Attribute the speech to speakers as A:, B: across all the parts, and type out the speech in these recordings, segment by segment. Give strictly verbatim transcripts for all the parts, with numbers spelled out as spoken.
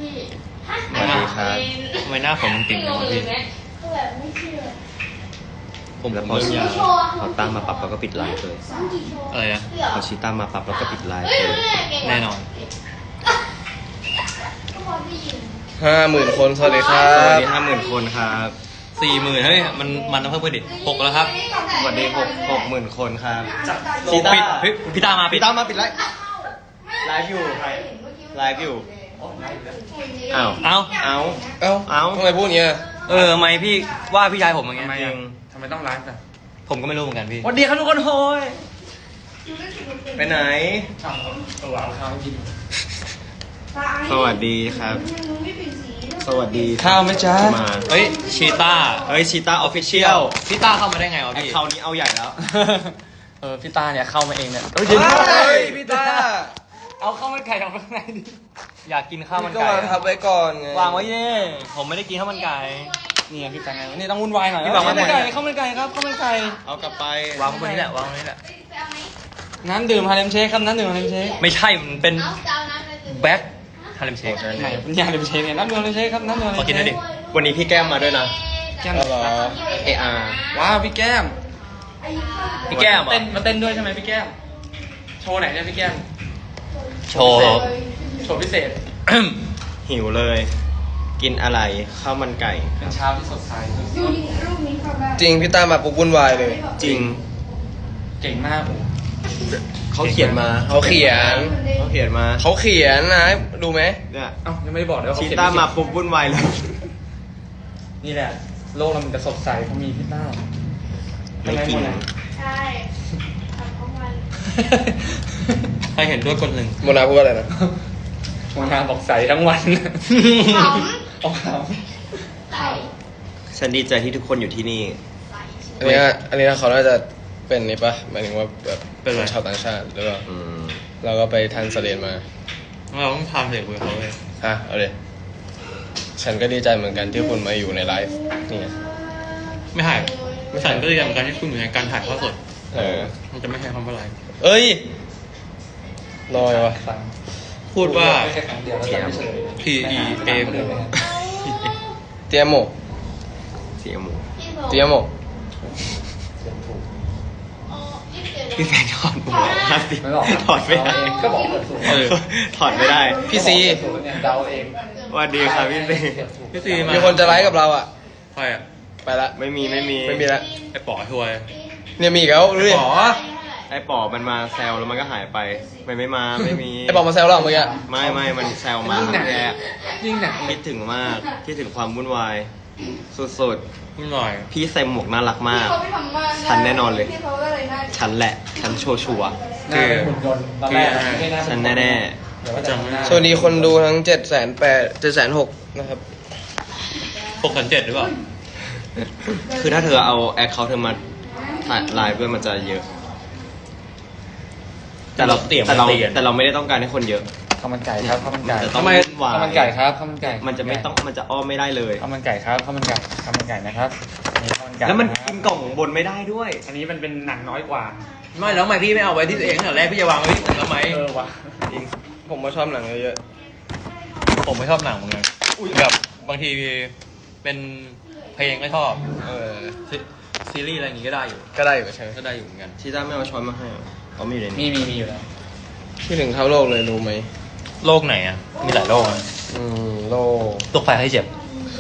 A: สวัสดีครับทำไมหน้าผมมันติ่งอย่างนี้ผมแล้วพอชีเขาตั้งมาปรับแล้วก็ปิดไลฟ์เลยอะไรนะพอชีตั้งมาปรับแล้วก็ปิดไลฟ์เลยแน่นอน
B: ห้าหมื่นคนสวัสดีครั
A: สวัส
B: บ
A: ดีห้าหมื่นคนครับสี่หมื่นเฮ้ยมันมันต้องเพิ่มเพิ่มดิหกแล้วครับสวัสดีหกหกหมื่นคนครับชีต้าเฮ้ยพี่ตามาพี่ตามาปิดไลฟ์ไลฟ์อยู่ไลฟ์อยู่อ้าวอ้าวอ้าว
B: เอ้า
A: อ้าว
B: ทำไมพูดอย่างเงี้ย
A: เออทำไมพี่ว่าพี่ชายผมอย่างเงี้ย
B: ทำไม
A: จริ
B: อ่ะ
A: ง
B: ทำไมต้องไลฟ์อ่ะ
A: ผมก็ไม่รู้เหมือนกันพี่
B: สวัสดีครับทุกคนโฮย
A: ไปไหน
B: ตัวเอาข้าวกิน
A: สวัสดีครับสวัสดี
B: ข้าวไหมจ๊ะ
A: มาเฮ้ยชีต้าเฮ้ยชีต้าออฟฟิเชียลพี่ต้าเข้ามาได้ไงวะพี่เขานี้เอาใหญ่แล้ว
B: เออพี่ตาเนี่ยเข้ามาเองเนี่ยเฮ้ยพี่ตาเอาข้าวมันไก่ออกมาข้างในดิ
A: อยากกินข้าวมัน
B: ก็
A: ไก่
B: วางทับไว้ก่อนไง
A: วางไว้เนี่ยผมไม่ได้กินข้าวมันไก่
B: นี่พี่ตาไงนี่ต้องวุ่นวายหน่อย
A: พี่วางไว้หมด
B: ไก่ข้าวมันไก่ครับข้าวมันไก่
A: เอากลับไปวางไว้บนนี้แหละวางไว้นี่แหละ
B: น้ำดื่มฮาเลมเชคครับน้ำดื่มฮาเลมเชค
A: ไม่ใช่มันเป็นแบ็คฮาเลมเชค
B: ไหนเป็นฮาเลมเชคเนี่ยน้ำดื่มฮาเลมเชคครับน้ำดื่มฮาเลมเชค
A: ขอกินหน่อยดิวันนี้พี่แก้มมาด้วยนะ
B: แก้มเหรอ
A: เออาร์
B: ว้าวพี่แก้ม
A: พี่แก้ม
B: เต้นมาเต้นด้วยใช่ไหมพี่แก้มโชว์ไหนเนี่ยพี่แก้ม
A: โชว์
B: โชว์พิเศษ
A: หิวเลยกินอะไรข้าวมันไก่
B: เป็นเช้าที่สดใสจริงพี่ตามาปุ๊บวุ่นวายเลย
A: จริง
B: เก่งมาก
A: เขาเขียนมา
B: เขาเขียน
A: เขาเขียนมา
B: เขาเขียนนะดูไหม
A: เนี่ย
B: เอ้ายังไม่ได้บอกเลยว่า
A: ชีต้ามาปุ๊บวุ่นวายเลย
B: นี่แหละโลกเรามันจะสดใสเพราะมีพี่ต้า
A: ไม่จริง
C: ใช่ทำของมัน
A: ใครเห็นด้วยคนหนึ่ง
B: โมนาพูดอะไรนะโมนาบอกใสทั้งวัน
C: ขำ
B: เอาข
C: ใส่
A: ฉันดีใจที่ทุกคนอยู่ที่นี่
B: ำอันนี้อันนี้เขาน่าจะเป็นนี่ปะหมายถึงว่าแบบเป็นชาวต่างชาติหรือเปล่าเราก็ไปทันสเรียนมา
A: เราต้องทำเสียงคุยเขาเลย
B: ฮะเอาเลยฉันก็ดีใจเหมือนกันที่คุณมาอยู่ในไลฟ์นี่
A: ไม่ถ่ายฉันก็ดีใจเหมือนกันที่คุณอยู่ในการถ่ายทอดสด
B: เออ
A: มันจะไม่ใช่คำว่าไลฟ์
B: เอ้ยลอยวะ
A: พูดว่า P E A M
B: เตียโม
A: เตียโม
B: เตียโม
A: พี่แฟนถอดหมวกถอดไม่ได้
B: ก็บอกเปิดสูง
A: ถอดไม่ได้
B: พี่ซี
A: เดาเองสวัสดีครับพี่ซีพี่ซี
B: มีคนจะไลฟ์กับเราอ่ะ
A: ใครอ่ะ
B: ไปละ
A: ไม่มีไม่มี
B: ไม่มีละ
A: ไอ้ป๋อช่วย
B: เนี่ยมีอีกแล้วดูดิ
A: ป๋อไอ้ป๋อมันมาแซวแล้วมันก็หายไปมันไม่มาไม่มี
B: ไอ้ป๋อมาแซวเราเมื่อกี้
A: ไม่ไม่มันแซวมาแย่
B: ยิ่งหนัก
A: คิดถึงมากคิดถึงความวุ่นวายสุดๆวุ่นวายพี่ใส่หมวกน่ารักมากฉันแน่นอนเลยฉันแหละฉันโชว์ชัวคือคือฉันแน่ๆ
B: สวัสดีคนดูทั้งเจ็ดแสนแปดเจ็ดแสนหกนะครับ
A: หกแสนเจ็ดหรือเปล่าคือถ้าเธอเอาแอคเคาท์เธอมาถ่ายไลฟ์ด้วยมันจะเยอะแต่เราแต่เราแต่เราไม่ได้ต้องการให้คนเยอะ
B: ข้าวมันไก่ครับข้าวมันไก่
A: ทำไม
B: ข้าวมันไก่ครับข้าวมันไก่
A: มันจะไม่ต้องมันจะอ้อมไม่ได้เลย
B: ข้าวมันไก่ครับข้าวมันไก่ข้าวมันไก่นะครับ
A: แล้วมันกินกล่องบนไม่ได้ด้วย
B: อันนี้มันเป็นหนังน้อยกว่า
A: ไม่แล้วทำไมพี่ไม่เอาไว้ที่ตัวเองตั้งแต่แรกพี่จะวางไว้ที่ผมทำไม
B: เออวะจริงผมก็ชอบหนังเยอะ
A: ๆผมไม่ชอบหนังเหมือนกันแบบบางทีเป็นเพลงก็ชอบ
B: เออ
A: ซีรีส์อะไรอย่างงี้ก็ได้อยู่
B: ก็ได้อยู่ใช่ไหม
A: ก็ได้อยู่เหมือนกันชีต้าไม่เอาช้อนมาให้เขามีอยู่ใน
B: นี้มีมีมีอยู่แล้วที่ถึงเท่าโลกเลยรู้ไหม
A: โลกไหนอ่ะมีหลายโลกอ่ะ
B: อืมโลก
A: ตกไฟให้เจ็บ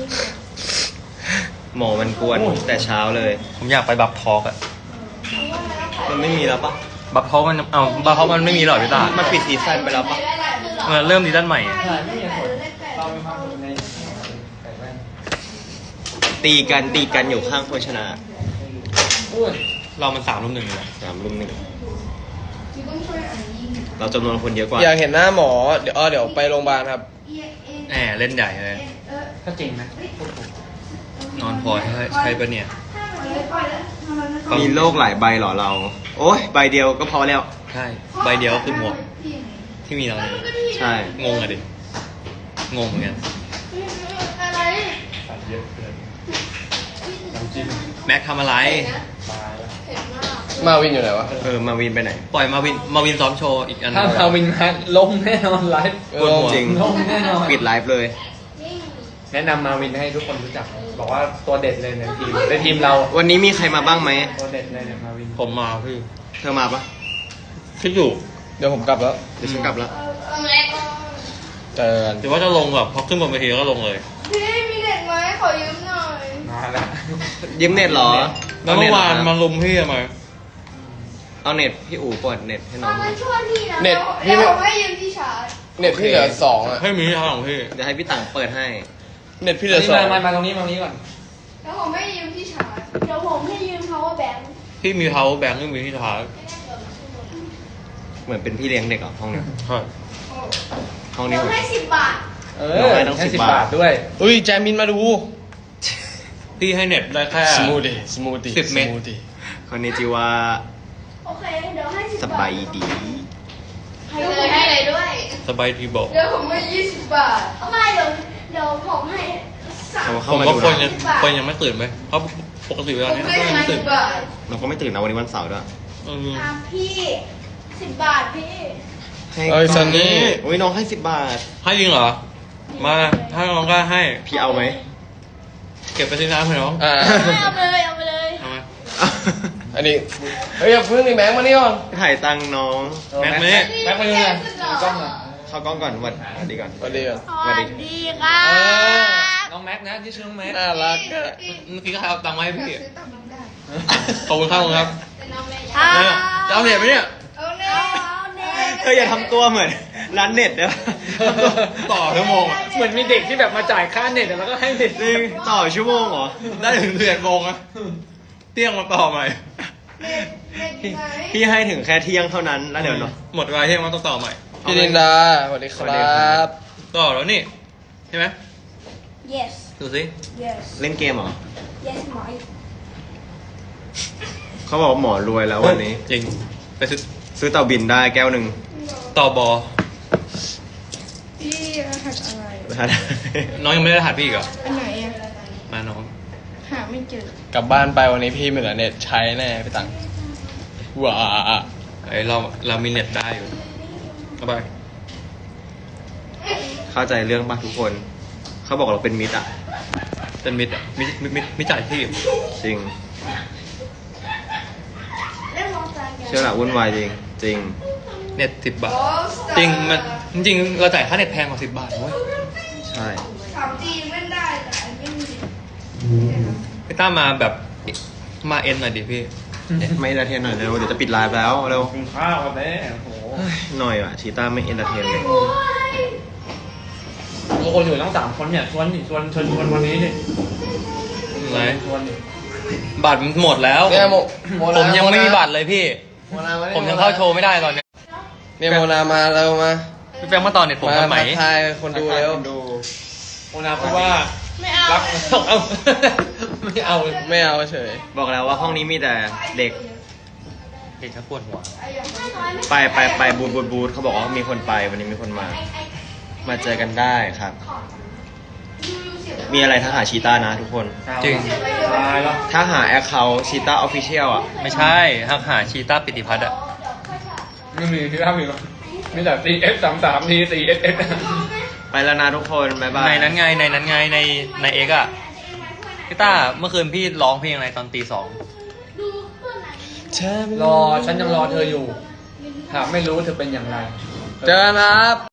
A: หมอมันกวนแต่เช้าเลยผมอยากไปบัฟทอกอ่ะมันไม่มีแล้วปะบัฟทอกมันเอาบัฟทอกมันไม่มีหรอพี่ตามันปิดซีซั่นไปแล้วปะมันเริ่มซีซั่นใหม่ตีกันตีกันอยู่ข้างคนชนะเรามันสามรุ่มหนึ่งเลยสามรุ่มหนึ่งเราจำนวนคนเยอะกว่า
B: อยากเห็นหน้าหมอเดี๋ยวเดี๋ยวไปโรงพยาบาลครับ
A: แหมเล่นใหญ่เลย
B: ถ้าจริงนะ
A: นอนพอใช่ใช่ปะเนี่ยมีโรคหลายใบหรอเราโอ้ยใบเดียวก็พอแล้วใช่ใบเดียวคือหมวกที่มีเราใช่งงอะดิงงเหมือนกัน
D: น้ำจิ้ม
A: แม็กทำอะไร
D: ตายแล้ว
C: เผ็ดมาก
B: มาวินอยู่ไหนวะ
A: เออมาวินไปไหน ปล่อยมาวินมาวินซ้อมโชว์อีกอันห
D: ถ้า
A: นึ่ง
D: มาวินมาลงแน่นอนไลฟ์
A: ปวดหัวจริง
D: ลงแน่นอน
A: ปิดไลฟ์เลย
C: นี่
D: แนะนำมาวินให้ทุกคนรู้จัก บอกว่าตัวเด็ดเลยในทีมในทีมเรา
A: วันนี้มีใครมาบ้างไหม
D: ตัวเด็ดเลยเนี่ยมาวิน
A: ผมมาพี่ เธอมาปะคิดอยู่
B: เดี๋ยวผมกลับแล้ว
A: เดี๋ยวฉันกลับแล้ว
C: เอาเอาแม็ก
B: เจอกัน
A: หรือว่าจะลงแบบพอขึ้นบนเวทีก็ลงเลย
C: พี่มีเด็กไหมขอยืมหน่อย
D: มาแล้ว
A: ยืมเน็ตเหรอ
E: แล้วเมื่อวานมาลุมพี่ทำไม
A: เอาเน็ตพี่อู๋เปิดเน็ตให้น้อ
C: เอา
A: ง
C: มาช่วยพี่นะ
B: เน็ต
C: เดี๋
B: พี่
C: ยว
B: ไม่
C: ผมให้ยืมที่ชาร์จ
B: เน็ตพี่เหลือสองอ่ะ
E: ให้มีทางของพี่
A: เดี๋ยวให้พี่ต่างเปิดให้
B: เน็ตพี่เหลือ
D: นี่
B: สอ
D: มาง มามาตรงนี้มาตรงนี้ก่อน
C: เดี๋ยวผมให้ยืมที่ชาร์จเดี๋ยวผมให้ยืม power bank
E: พี่มีเท้าแบงค์ไม่มีที่ท้าย
A: เหมือนเป็นพี่เลี้ยงเด็กเหรอ่ะห้องเนี้ย
E: ใช่
A: ห้องนี้
C: เดี๋ยว
A: เหมือน
C: ให้สิบบาท
D: เอ
A: น้อง
D: อ
A: ให้ตั้ง
D: ให้
A: สิ
D: สิ
A: บบ
D: บบา
A: บา
D: ท
A: ท
D: ด้วย
B: อุ้ยแจมินมาดู
E: พี่ให้เน็ตได้แค่
B: สมูทตี้สมูทตี้
E: สิบเมตร
B: สมูทตี้
A: คนนี้จิว่า
C: โอเค เดี๋ยวให้สิบ
A: ส
C: บาท
A: บายดี
C: ให้เลยให้เลยด้วย
E: สบายทีบอก
C: เดี๋ยวผมให้ยี่สิบบาทเอาไม่เดี๋ยวเดี๋ยวผมให้สาม
A: เขา
E: ผ
A: เข้าม มา
E: ว่า
A: ดู
E: คนยั
A: นะ
E: งคนยังไม่ตื่นไหมเพราะปกติเว
C: ผ
E: ลาม นี้
C: ให้
E: ก็ยัง
C: ห้า
E: ไม่
C: สิ
E: ตื่น
C: บบาท
A: เราก็ไม่ตื่นนะวันนี้วันเสาร์ด้วย
E: เออ
C: อ่ะพี่สิบบาทพี่
A: ให้
B: เอ้ยซันนี่
A: โอ้ยน้องให้สิบบาท
E: ให้จริงเหรอ มาถ้าน้องกล้าให้
A: พี่เอาไหม
E: เก็บไปที่น้ำให้น้อง
B: อ่า
C: เอาไปเลยเอาไปเลย
E: เอาไหม
B: อันนี้ เฮ้ยอย่าพึ่งนี่แบงค์มานี่ก่อน
A: ถ่ายตังค์น้อง
E: แม็กซ์นี่
D: แม็กซ์มาดูหน่อยดูกล้องหน่อย
A: เข้ากล้องก่อนสวัสดีก่อน
B: สวัสดีก่อน
C: สวัสดีครั
B: เออ
C: บ
D: น้องแม็กซ์นะที่ชื่อน้องแม็กซ์
B: น่ารักอะ
E: เมื่อกี้ก็ให้เอาตังค์มาให้พี่
C: ซื้อตับน้ำได้
E: ขอบคุณครับขอบคุณครับ
C: เป็นน้องแม่
E: เนี่ยจะเอาเน็ตไหมเนี่ย
C: เอาเน่เอาเน่
A: เธออย่าทำตัวเหมือนร้านเน็ตเด้อ
E: ต่อชั่วโมงอะ
D: เหมือนมีเด็กที่แบบมาจ่ายค่าเน็ตแล้วก็ให้เด็ก
A: จริงต่อชั่วโมงเหรอ
E: ได้ถึงเดือนโมงอะเที่ยงมาต่อใหม่
C: เน่เน่
A: พี่
C: ไหน
A: พี่ให้ถึงแค่เที่ยงเท่านั้นแล้วเดี๋ยวเนาะ
E: หมดเวลาเที่ยงมาต้องต่อใหม่
B: พี่ลินดาสวัสดีค
A: สวัสดี
B: รั
A: ครับ บ
E: ต่อแล้วนี่ใช่ไหม
C: yes
E: ดูสิ
C: yes
A: เล่นเกมเหรอ
C: yes หมอ
A: เขาบอกว่าหมอรวยแล้ววันนี้
E: จริงไปซื้อ
A: ซื้อเต่าบินได้แก้วหนึ่ง
E: ต่อบอ
C: พี่รหัสอะไร
E: น้องยังไม่ได้รหัสพี่อีกเหรอ
C: อันไหนอ่ะ
E: มาน้อง
C: หาไม่เจอ
B: กลับบ้านไปวันนี้พี่ไม่เหลือเน็ตใช้แน่พี่ตังว้า
E: ไอเราเรามีเน็ตได้อยู่เอาไป
A: เข้าใจเรื่องป่ะทุกคน เขาบอกเราเป็นมิตรอ่ะ
E: เป็นมิดอะมิดมิดมิดมิดจ่ายพี่
A: จริง
C: เล่นมอเตอร์ไซค์กัน
A: เชื่อหละวุ่นวายจริง จริง
E: เน็ตสิบบาท จริงมันจริงๆเราจ่ายค่าเน็ตแพงกว่าสิบบาทเว้ย
A: ใช่
C: สามจีเล่นได้แต่ไม่มี
E: พี่ต้ามาแบบมาเอ็นหน่อยดิพี่
A: ไม่เอนเตอร์เทนหน่อยเร็วเดี๋ยวจะปิดไลฟ์แล้วเร็ว
D: กินข้าวกันแน่โอ้โห
A: หน่อยว่ะชีต้าไม่เอนเตอร์เทนเลย
D: บางคนอยู่ตั้งสามคนเนี่ยชวนดิชวนชวนชวนวันนี้ดิ
E: อะไร
D: ชวนดิ
E: บัตรมันหมดแล้ว
B: เนี่ยโมโม
E: ผ
B: นาม
E: ยังไม่มีบัตรเลยพี่
B: โมนาานี่
E: ผมยังเข้าโชว์ไม่ได้ตอนเนี้ย
B: เนี่ยโมนามาเรามา
E: พี่แฟงมาต่อเน็ตผม
B: มา
E: ทำไหม
B: ทักทายคนดูแล้ว
A: ดู
D: โอนาพูดว่า
C: ไม่เอา
D: รักเอาไม่เอา
B: ไม่เอาเฉย
A: บอกแล้วว่าห้องนี้มีแต่เด็ก
E: เด็กชักปวดหัว
A: ไปไปไปบูธบูธบูธเขาบอกว่ามีคนไปวันนี้มีคนมา มาเจอกันได้ครับ มีอะไรทักหาชีต้านะทุกคน
E: จริง
D: ตายแล้ว
A: ถ้าหาแอคเคาท์ชีต้าออฟฟิเชียลอ่ะ
E: ไม่ใช่ทักหาชีต้าปิติพัฒน์อะ
D: ไม่มีที่ทำอีกหรอมีแต่ ซี เอส สามสามที ซี เอส เอส
A: ไปแล้วนะทุกคนบ๊ายบาย
E: ในนั้นไงในนั้นไงในในเอ็กอะพี่ต้าเมื่อคืนพี่ร้องเพลงอะไรตอนตีสอง
D: รอฉันยังรอเธออยู่หากไม่รู้เธอเป็นอย่างไร
B: เจอกันครับ